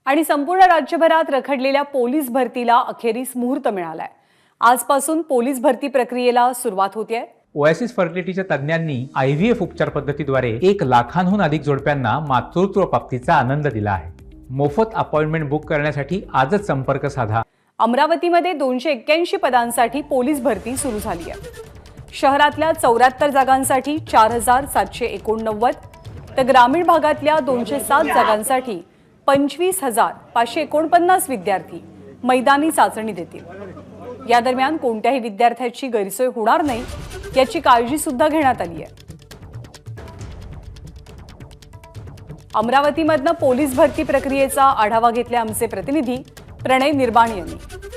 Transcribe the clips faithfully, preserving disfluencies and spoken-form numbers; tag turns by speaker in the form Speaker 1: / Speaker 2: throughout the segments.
Speaker 1: आणि संपूर्ण राज्यभरात रखडलेल्या पोलीस भरतीला अखेरीस मुहूर्त मिळालाय। आजपासून पोलीस भरती प्रक्रियेला सुरुवात होतेय।
Speaker 2: ओएसिस फर्टिलिटीच्या तज्ञांनी आयव्हीएफ उपचार पद्धतीद्वारे एक लाखांहून अधिक जोडप्यांना मातृत्व प्राप्तीचा आनंद दिला आहे। मोफत अपॉइंटमेंट बुक करण्यासाठी आजच संपर्क साधा।
Speaker 1: अमरावतीमध्ये दोनशे एक्क्याऐंशी पदांसाठी पोलीस भरती सुरू झाली आहे। शहरातल्या चौऱ्याहत्तर जागांसाठी चार हजार सातशे एकोणनव्वद तर ग्रामीण भागातल्या दोनशे सात जागांसाठी पंचवीस हजार पाचशे एकोणपन्नास विद्यार्थी मैदानी चाचणी देतील। या दरम्यान कोणत्याही विद्यार्थ्याची गैरसोय होणार नाही याची काळजी सुद्धा घेण्यात आली आहे। अमरावतीमधनं पोलीस भरती प्रक्रियेचा आढावा घेतले आमचे प्रतिनिधी प्रणय निर्बाण यांनी।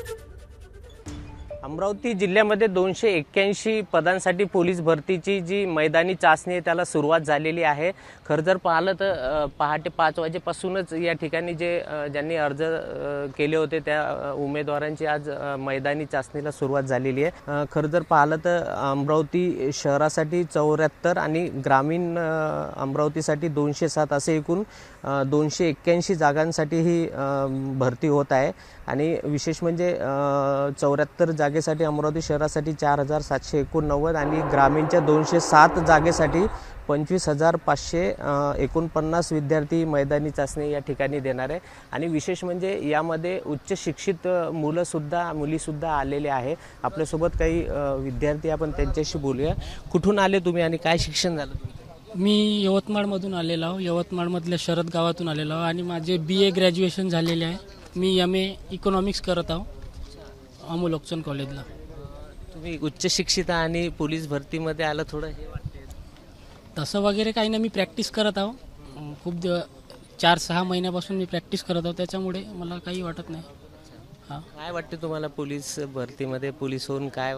Speaker 3: अमरावती जिल्ह्यामध्ये दोनशे एक्क्याऐंशी पदांसाठी पोलीस भरतीची जी मैदानी चाचणी आहे त्याला सुरुवात झालेली आहे। खरं जर पाहिलं तर पहाटे पाच वाजेपासूनच या ठिकाणी जे ज्यांनी अर्ज केले होते त्या उमेदवारांची आज मैदानी चाचणीला सुरुवात झालेली आहे। खरं जर पाहिलं तर अमरावती शहरासाठी चौऱ्याहत्तर आणि ग्रामीण अमरावतीसाठी दोनशे सात असे एकूण दोनशे एक्क्याऐंशी जागांसाठी ही भरती होत आहे। आणि विशेष म्हणजे चौऱ्याहत्तर जागेसाठी अमरावती शहरासाठी चार हजार सातशे एकोणनव्वद आणि ग्रामीणच्या दोनशे सात जागेसाठी पंचवीस हजार पाचशे एकोणपन्नास विद्यार्थी मैदानी चाचणी या ठिकाणी देणार आहे। आणि विशेष म्हणजे यामध्ये उच्च शिक्षित मुलंसुद्धा मुलीसुद्धा आलेले आहे। आपल्यासोबत काही विद्यार्थी आपण त्यांच्याशी बोलूया। कुठून आले तुम्ही आणि काय शिक्षण झालं तुमचं?
Speaker 4: मी यवतमाळमधून आलेलो आहो। यवतमाळमधल्या शरद गावातून आलेलो आहो आणि माझे बी ए ग्रॅज्युएशन झालेले आहे। मी एम ए इकॉनॉमिक्स करत आहो अमोल ओकचंद कॉलेजला।
Speaker 3: तुम्ही उच्च शिक्षित आणि पोलीस भरतीमध्ये आलं, थोडं हे वाटते?
Speaker 4: तसं वगैरे काही नाही, मी प्रॅक्टिस करत आहो। खूप दिव चार सहा महिन्यापासून मी प्रॅक्टिस करत आहो, त्याच्यामुळे मला काही वाटत नाही। हां,
Speaker 3: काय वाटते तुम्हाला पोलीस भरतीमध्ये? पोलीस होऊन काय?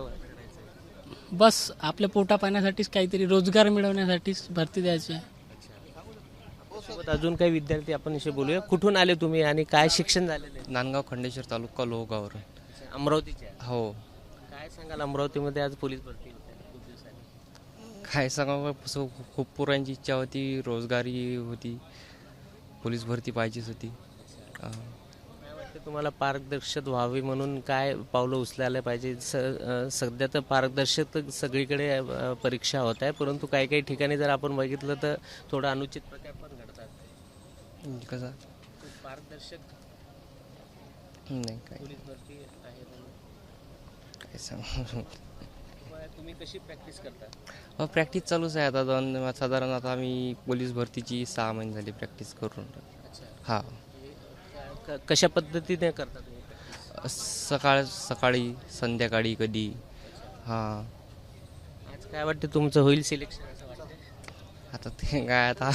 Speaker 4: बस आपल्या पोटा पाण्यासाठीच, काहीतरी रोजगार मिळवण्यासाठीच भरती द्यायची आहे।
Speaker 3: सोबत अजून काही विद्यार्थी आपण इथे बोलूया। कुठून आले तुम्ही आणि काय शिक्षण झालेलं आहे?
Speaker 5: नांदगाव खंडेश्वर तालुका लोहगावर।
Speaker 3: अमरावतीचे?
Speaker 5: हो।
Speaker 3: काय सांगाल, अमरावतीमध्ये आज पोलीस भरती होते खूप दिवसांनी?
Speaker 5: काय सांगावं, खूप पोरांची इच्छा होती, रोजगारी होती, पोलीस भरती पाहिजेच होती।
Speaker 3: काय वाटतं तुम्हाला, पारदर्शक व्हावी म्हणून काय पावलं उचलायला पाहिजे? स सध्या तर पारदर्शक सगळीकडे परीक्षा होत आहे, परंतु काही काही ठिकाणी जर आपण बघितलं तर थोडं अनुचित प्रकार पण घडतात।
Speaker 5: कसा
Speaker 3: पारदर्शक
Speaker 5: नाही काय
Speaker 3: पोलीस भरती आहे म्हणून
Speaker 5: काय सांगू।
Speaker 3: तुम्ही कशी प्रॅक्टिस करता?
Speaker 5: हो, प्रॅक्टिस चालूच आहे आता। दोन साधारण आता आम्ही पोलीस भरतीची सहा महिने झाली प्रॅक्टिस करून। हां,
Speaker 3: कशा पद्धतीने करता तुम्ही?
Speaker 5: सकाळ सकाळी संध्याकाळी कधी। हां,
Speaker 3: आज काय वाटतं तुमचं होईल सिलेक्शन असं वाटतं?
Speaker 5: आता ते काय आता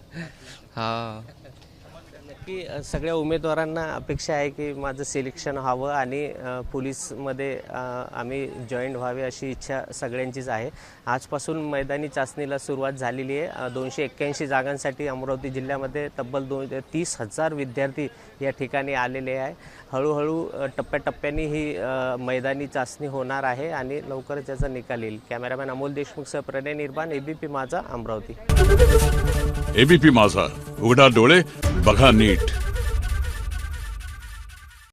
Speaker 5: हां,
Speaker 3: नक्की सगळ्या उमेदवारांना अपेक्षा आहे की माझं सिलेक्शन व्हावं आणि पोलीसमध्ये आम्ही जॉईंट व्हावे अशी इच्छा सगळ्यांचीच आहे। आजपासून मैदानी चाचणीला सुरुवात झालेली आहे। दोनशे एक्क्याऐंशी जागांसाठी अमरावती जिल्ह्यामध्ये तब्बल दोन तीस हजार विद्यार्थी या ठिकाणी आलेले आहे। हळूहळू टप्प्याटप्प्याने ही मैदानी चाचणी होणार आहे आणि लवकरच याचा निकाल येईल। कॅमेरामॅन अमोल देशमुखसह प्रणय निर्बाण, एबीपी माझा, अमरावती।
Speaker 6: एबीपी माझा, उघडा डोळे बघा नीट।